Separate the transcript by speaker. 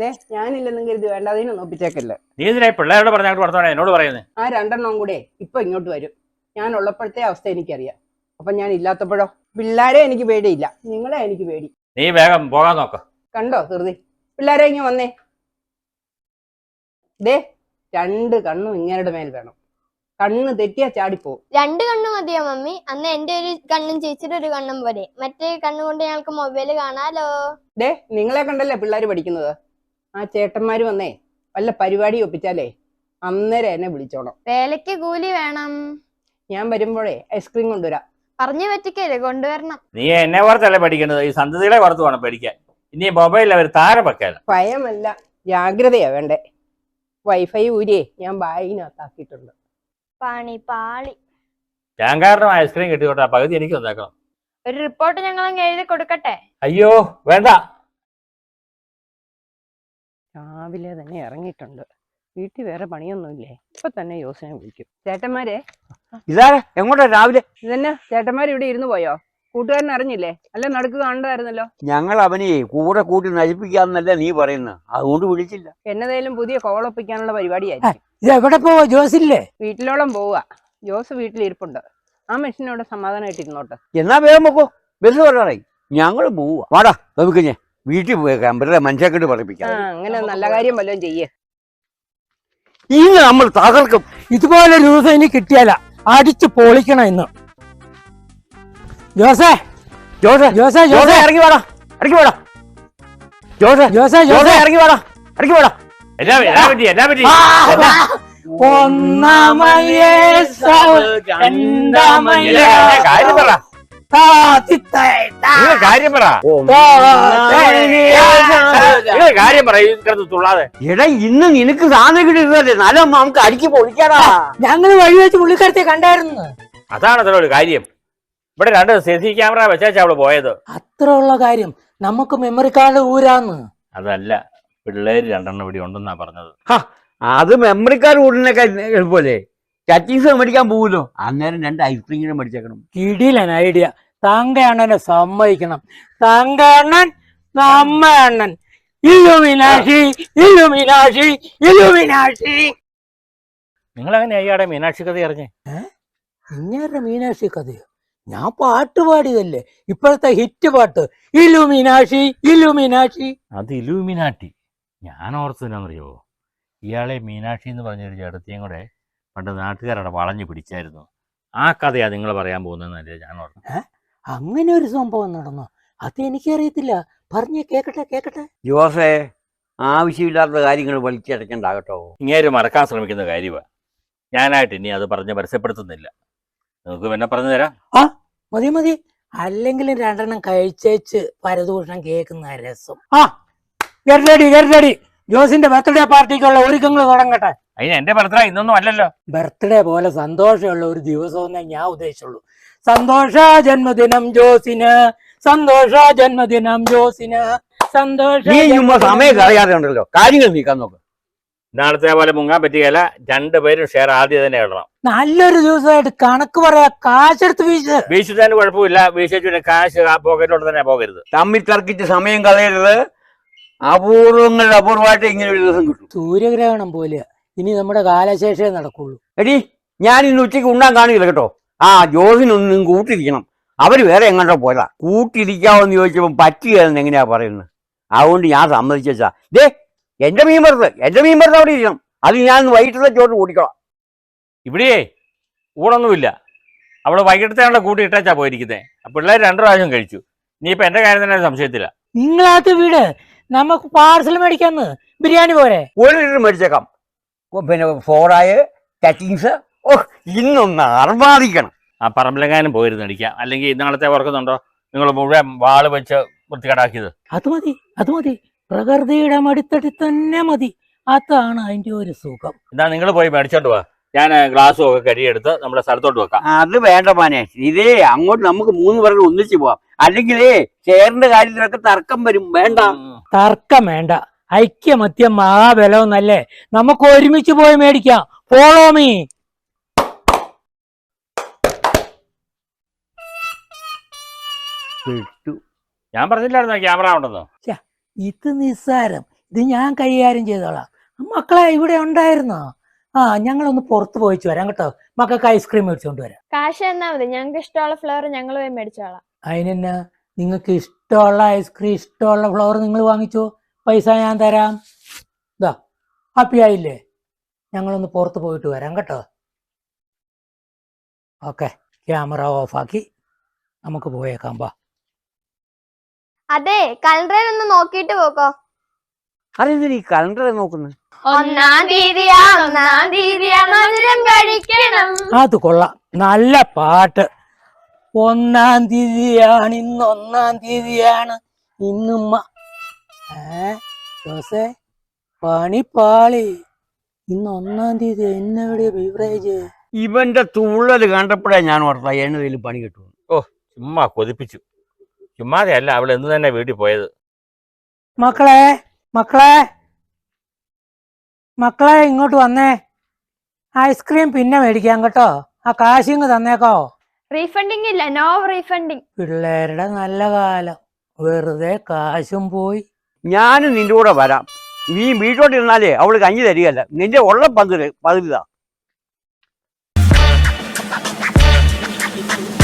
Speaker 1: ഞാനില്ലെന്നും കരുതി വേണ്ടാതിനൊന്നും ഒപ്പിച്ചേക്കല്ലേ.
Speaker 2: നീ ഇതിനെ പിള്ളേരോട് പറഞ്ഞാൽ പറഞ്ഞോളെ എന്നോട് പറയുന്നത്.
Speaker 1: ആ 2 കൂടെ ഇപ്പൊ ഇങ്ങോട്ട് വരും. ഞാൻ ഉള്ളപ്പോഴത്തെ അവസ്ഥ എനിക്കറിയാം. അപ്പൊ ഞാൻ ഇല്ലാത്തപ്പോഴോ? പിള്ളേരെ എനിക്ക് പേടിയില്ല, നിങ്ങളെ എനിക്ക് പേടി.
Speaker 2: നീ വേഗം പോകാൻ നോക്ക.
Speaker 1: കണ്ടോ ധൃതി? പിള്ളേരെ ഇങ്ങ് വന്നേ. 2 കണ്ണും ഇങ്ങരുടെ മേൽ വേണം. കണ്ണ് തെറ്റിയാ ചാടിപ്പോവും.
Speaker 3: 2 കണ്ണു മതിയോ മമ്മി? അന്ന് എന്റെ ഒരു കണ്ണും ചേച്ചിയുടെ ഒരു കണ്ണും പോലെ. മറ്റേ കണ്ണുകൊണ്ട് ഞങ്ങൾക്ക് മൊബൈല് കാണാലോ.
Speaker 1: നിങ്ങളെ കണ്ടല്ലേ പിള്ളേര് പഠിക്കുന്നത്. ആ ചേട്ടന്മാര് വന്നേ വല്ല പരിപാടി ഒപ്പിച്ചാലേ അന്നേരം എന്നെ വിളിച്ചോണം.
Speaker 3: വേലയ്ക്ക് കൂലി വേണം.
Speaker 1: ഞാൻ വരുമ്പോഴേ ഐസ്ക്രീം കൊണ്ടുവരാം.
Speaker 3: പറഞ്ഞു പറ്റിക്കല്ലേ, കൊണ്ടുവരണം.
Speaker 2: നീ എന്നെ പുറത്തല്ലേ പഠിക്കുന്നത്, ഈ സന്തതികളെ പുറത്ത് വേണം പഠിക്കാൻ. ഇനി മൊബൈലിൽ അവർ താരം വെക്കാലോ.
Speaker 1: ഭയമല്ല, ജാഗ്രതയാ വേണ്ടേ. വൈഫൈ ഊരിയേ ഞാൻ ബാഗിനകത്താക്കിയിട്ടുണ്ട്.
Speaker 3: പാളി.
Speaker 2: ഞാൻ കാരണം ഐസ്ക്രീം കിട്ടിക്കോട്ടെ, പകുതി എനിക്ക് വന്നേക്കണം.
Speaker 3: ഒരു റിപ്പോർട്ട് ഞങ്ങൾ എഴുതി കൊടുക്കട്ടെ?
Speaker 2: അയ്യോ വേണ്ട.
Speaker 1: രാവിലെ തന്നെ ഇറങ്ങിയിട്ടുണ്ട്. വീട്ടിൽ വേറെ പണിയൊന്നുമില്ലേ? ഇപ്പൊ തന്നെ യോസനെ വിളിക്കും. ചേട്ടന്മാരെ
Speaker 4: ഇതാരെ എങ്ങോട്ടാ രാവിലെ?
Speaker 1: ഇതന്നെ ചേട്ടന്മാർ ഇവിടെ ഇരുന്ന് പോയോ? കൂട്ടുകാരൻ അറിഞ്ഞില്ലേ? അല്ല നടുക്ക് കാണണ്ടായിരുന്നല്ലോ.
Speaker 4: ഞങ്ങൾ അവനെ കൂടെ കൂട്ടി നശിപ്പിക്കാന്നല്ലേ നീ പറയുന്നത്, അതുകൊണ്ട് വിളിച്ചില്ല.
Speaker 1: എന്നതേലും പുതിയ കോളൊപ്പിക്കാനുള്ള പരിപാടിയായിരിക്കും.
Speaker 5: ഇത് എവിടെ പോവാ? ജോസില്ലേ?
Speaker 1: വീട്ടിലോളം പോവാ. ജോസ് വീട്ടിലിരിപ്പുണ്ട്. ആ മെഷീനോട് സമാധാനമായിട്ടിരുന്നോട്ട്.
Speaker 4: എന്നാ വേഗം വെക്കോ, ബസ് പറയാറായി. ഞങ്ങൾ പോവാ. വാടാ നമുക്ക് ഞാൻ വീട്ടിൽ പോയേക്കാം, വെറുതെ മനുഷ്യക്കെട്ട് പറയിപ്പിക്കാം.
Speaker 1: അങ്ങനെ നല്ല കാര്യം വല്ലതും ചെയ്യേ.
Speaker 4: ഇന്ന് നമ്മൾ തകർക്കും.
Speaker 5: ഇതുപോലെ ദിവസം ഇനി കിട്ടിയാല അടിച്ചു പൊളിക്കണം ഇന്ന്. ജോസേ
Speaker 4: ജോസേ
Speaker 5: ജോസേ
Speaker 4: ജോസേ
Speaker 5: ജോസേ
Speaker 4: ഇറങ്ങി വാടാ, ഇറങ്ങി വാടാ. ജോസേ
Speaker 5: ജോസേ
Speaker 4: ജോസേ
Speaker 5: ജോസേ
Speaker 4: ഇറങ്ങി വാടാ, ഇറങ്ങി വാടാ.
Speaker 2: എന്നാ പറ്റി?
Speaker 5: ഒന്നാമയേ
Speaker 2: കാര്യം പറ. കാര്യം പറ. കാര്യം പറ, കിടന്ന് തുള്ളാതെ.
Speaker 4: എടാ ഇന്ന് നിനക്ക് സാധനം കിട്ടിയിരുന്നല്ലേ, നല്ല നമുക്ക് അടിച്ചു പൊളിക്കാടാ.
Speaker 5: ഞങ്ങള് വഴി വെച്ച് പുള്ളിക്കാരത്തെ കണ്ടായിരുന്നു.
Speaker 2: അതാണ് അതിനൊരു കാര്യം. ഇവിടെ 2 CC ക്യാമറ വെച്ചാ അവള് പോയത്.
Speaker 5: അത്ര ഉള്ള കാര്യം. നമുക്ക് മെമ്മറി കാർഡ് ഊരാന്ന്.
Speaker 2: അതല്ല, പിള്ളേര് 2 ഇവിടെ ഉണ്ടെന്നാ പറഞ്ഞത്.
Speaker 4: അത് മെമ്മറിക്കാർ കൂടിനൊക്കെ എളുപ്പല്ലേ. ടച്ചിങ്സ് മേടിക്കാൻ പോവുമല്ലോ, അന്നേരം 2 ഐസ്ക്രീം മേടിച്ചേക്കണം.
Speaker 5: കിടിലൻ ഐഡിയ. തങ്ക അണ്ണനെ സമ്മതിക്കണം. തങ്ക അണ്ണൻ നമ്മ അണ്ണൻ. ഇല്ലുമിനാശി ഇല്ലുമിനാശി ഇല്ലുമിനാശി.
Speaker 2: നിങ്ങളെങ്ങനെ അയ്യാടെ മീനാക്ഷി കഥ അറിഞ്ഞേ?
Speaker 5: ഇങ്ങനെ മീനാക്ഷി കഥയോ? ഞാൻ പാട്ട് പാടിയതല്ലേ, ഇപ്പോഴത്തെ ഹിറ്റ് പാട്ട്. ഇല്ലുമിനാശി ഇല്ലുമിനാശി.
Speaker 2: അത് ഇലൂമിനാട്ടി. ഞാൻ ഓർത്തതിനാന്നറിയോ, ഇയാളെ മീനാക്ഷി എന്ന് പറഞ്ഞൊരു ചേട്ടത്തിയും കൂടെ പണ്ട് നാട്ടുകാരുടെ വളഞ്ഞു പിടിച്ചായിരുന്നു. ആ കഥയാ നിങ്ങൾ പറയാൻ പോകുന്നതെന്നല്ലേ ഞാൻ ഓർത്തത്.
Speaker 5: അങ്ങനെ ഒരു സംഭവം നടന്നോ? അത് എനിക്കറിയത്തില്ല. പറഞ്ഞേ, കേക്കട്ടെ.
Speaker 4: ജോസേ, ആവശ്യമില്ലാത്ത കാര്യങ്ങൾ വലിച്ചടക്കണ്ടാകട്ടോ.
Speaker 2: ഇങ്ങേര് മറക്കാൻ ശ്രമിക്കുന്ന കാര്യമാണ്. ഞാനായിട്ട് ഇനി അത് പറഞ്ഞ് പരസ്യപ്പെടുത്തുന്നില്ല. നിങ്ങൾക്ക് പിന്നെ പറഞ്ഞു തരാം.
Speaker 5: മതി. അല്ലെങ്കിലും 2 കഴിച്ചേച്ച് പരദൂഷണം കേൾക്കുന്ന രസം. ഗെറ്റ് ജോസിന്റെ ബർത്ത്ഡേ പാർട്ടിക്കുള്ള ഒരുക്കങ്ങൾ തുടങ്ങട്ടെ.
Speaker 2: അതിന് എന്റെ ബർത്ത്ഡേ ഇന്നൊന്നും അല്ലല്ലോ.
Speaker 5: ബർത്ത്ഡേ പോലെ സന്തോഷമുള്ള ഒരു ദിവസമെന്നേ ഞാൻ ഉദ്ദേശിച്ചുള്ളൂ. സന്തോഷ ജന്മദിനം ജോസിന്, സന്തോഷ ജന്മദിനം ജോസിന്, സന്തോഷ.
Speaker 4: നീ സമയം കളയാതെ ഉണ്ടല്ലോ, കാര്യങ്ങൾ നീക്കാൻ നോക്ക്.
Speaker 2: നാളത്തെ പോലെ മുങ്ങാൻ പറ്റുകയല്ല. 2 പേരും ഷെയർ ആദ്യം തന്നെ ഇടണം.
Speaker 5: നല്ലൊരു ദിവസമായിട്ട് കണക്ക് പറയാ. കാശെടുത്ത്
Speaker 2: വീശുന്നതിന് കുഴപ്പമില്ല. വീശിച്ചു കാശ് പോക്കറ്റിലോട്ട് തന്നെ പോകരുത്.
Speaker 4: തമ്മിൽ തർക്കിച്ച് സമയം കളയരുത്. അപൂർവങ്ങളുടെ അപൂർവമായിട്ട് ഇങ്ങനെ ഒരു ദിവസം കിട്ടും.
Speaker 5: സൂര്യഗ്രഹണം പോലെ ഇനി നമ്മുടെ കാലശേഷേ നടക്കുള്ളൂ.
Speaker 4: എടി, ഞാൻ ഇന്ന് ഉച്ചയ്ക്ക് ഉണ്ണാൻ കാണില്ല കേട്ടോ. ജോസിനൊന്നും കൂട്ടിരിക്കണം. അവര് വേറെ എങ്ങോട്ടോ പോയതാ. കൂട്ടിരിക്കാവെന്ന് ചോദിച്ചപ്പോൾ പറ്റുകയെന്ന് എങ്ങനെയാ പറയുന്നത്. അതുകൊണ്ട് ഞാൻ സമ്മതിച്ചാ. എന്റെ മീൻ വറുത്ത് അവിടെ ഇരിക്കണം. അത് ഞാൻ വൈകിട്ടത്തെ ചോറ് കൂട്ടിക്കോളാം.
Speaker 2: ഇവിടെയേ ഊണൊന്നുമില്ല. അവള് വൈകിട്ടത്തെ കൂട്ടി ഇട്ടാച്ചാ പോയിരിക്കുന്നത്. പിള്ളേർ 2 പ്രാവശ്യം കഴിച്ചു. ഇനിയിപ്പോ എന്റെ കാര്യം തന്നെ സംശയത്തില്ല.
Speaker 5: നിങ്ങളാത്ത വീട് നമുക്ക് പാർസൽ മേടിക്കാന്ന്. ബിരിയാണി പോരെ?
Speaker 4: 1 ലിറ്റർ മേടിച്ചേക്കാം. പിന്നെ ഫോറായ ടച്ചിങ്സ്. ഇന്നൊന്ന് അർമാദിക്കണം.
Speaker 2: ആ പറമ്പിലെങ്ങാനും പോയിരുന്നു അടിക്കാം. അല്ലെങ്കിൽ ഇന്നാളത്തെ ഓർക്കുന്നുണ്ടോ നിങ്ങൾ മുഴുവൻ വാള് വെച്ച് വൃത്തികേടാക്കിയത്?
Speaker 5: അത് മതി. പ്രകൃതിയുടെ മടിത്തടി തന്നെ മതി. അതാണ് അതിന്റെ ഒരു സുഖം.
Speaker 2: എന്നാ നിങ്ങൾ പോയി മേടിച്ചോണ്ട് പോവാ. ഞാൻ ഗ്ലാസ്സും ഒക്കെ കരിയെടുത്ത് നമ്മുടെ സ്ഥലത്തോട്ട് വെക്കാം.
Speaker 4: അത് വേണ്ട മാനെ, ഇതേ അങ്ങോട്ട് നമുക്ക് 3 പേർക്ക് ഒന്നിച്ച് പോവാം. അല്ലെങ്കിലേ ഷെയറിന്റെ കാര്യത്തിലൊക്കെ തർക്കം വരും. വേണ്ട,
Speaker 5: തർക്കം വേണ്ട. ഐക്യമത്യം മഹാബലമെന്നല്ലേ, നമുക്ക് ഒരുമിച്ച് പോയി മേടിക്കാം. Follow me.
Speaker 2: ഞാൻ പറഞ്ഞില്ലായിരുന്നോ ക്യാമറ ഉണ്ടെന്നോ?
Speaker 5: ഇത് നിസ്സാരം. ഇത് ഞാൻ കൈകാര്യം ചെയ്തോളാം. മക്കളെ ഇവിടെ ഉണ്ടായിരുന്നോ? ആ ഞങ്ങളൊന്ന് പുറത്ത് പോയിച്ചു വരാം കേട്ടോ. മക്കൾക്ക് ഐസ്ക്രീം മേടിച്ചുകൊണ്ട് വരാം.
Speaker 6: കാശ് തന്നാ മതി, ഞങ്ങൾക്ക് ഇഷ്ടമുള്ള ഫ്ലേവർ ഞങ്ങൾ പോയി മേടിച്ചോളാം.
Speaker 5: അതിനെന്നാ, നിങ്ങൾക്ക് ഇഷ്ടമുള്ള ഐസ്ക്രീം ഇഷ്ടമുള്ള ഫ്ലവർ നിങ്ങൾ വാങ്ങിച്ചോ, പൈസ ഞാൻ തരാം. ഇതാ ഹാപ്പി ആയില്ലേ? ഞങ്ങളൊന്ന് പുറത്ത് പോയിട്ട് വരാം കേട്ടോ. ഓക്കെ, ക്യാമറ ഓഫാക്കി നമുക്ക് പോയേക്കാം. ബാ.
Speaker 3: അതെ, കലണ്ടറിൽ ഒന്ന് നോക്കിയിട്ട് പോക്കോ.
Speaker 4: അതെന്തിനാ ഈ കലണ്ടർ നോക്കുന്നത്?
Speaker 3: 1-ാം തീയതിയാ, 1-ാം തീയതിയാ മധുരം കഴിക്കണം.
Speaker 5: അത് കൊള്ളാം, നല്ല പാട്ട്. 1-ാം തീയതിയാണ് ഇന്ന്, 1-ാം തീയതിയാണ് ഇന്നുമ്മ. ജോസേ, പണിപ്പാളി. ഇന്ന് 1-ാം തീയതി. എന്നെവിടെ ബീവറേജ്?
Speaker 4: ഇവന്റെ തുള്ളല് കണ്ടപ്പോഴേ ഞാൻ ഓർത്താ എന്നതിൽ പണി കിട്ടും.
Speaker 2: ചുമ്മാ കൊതിപ്പിച്ചു. ചുമ്മാതെ അല്ല, അവൾ എന്ന് തന്നെ വീട്ടിൽ പോയത്.
Speaker 5: മക്കളെ മക്കളെ മക്കളെ ഇങ്ങോട്ട് വന്നേ. ഐസ്ക്രീം പിന്നെ മേടിക്കാം കേട്ടോ. ആ കാശിങ് തന്നേക്കോ.
Speaker 6: റീഫണ്ടിങ് ഇല്ല, നോ റീഫണ്ടിങ്.
Speaker 5: പിള്ളേരുടെ നല്ല കാലം, വെറുതെ കാശും പോയി.
Speaker 4: ഞാനും നിന്റെ കൂടെ വരാം. നീ വീട്ടോട്ടിരുന്നാലേ അവള് കഞ്ഞി തരികയല്ല, നിന്റെ ഉള്ള പതിരിതാ.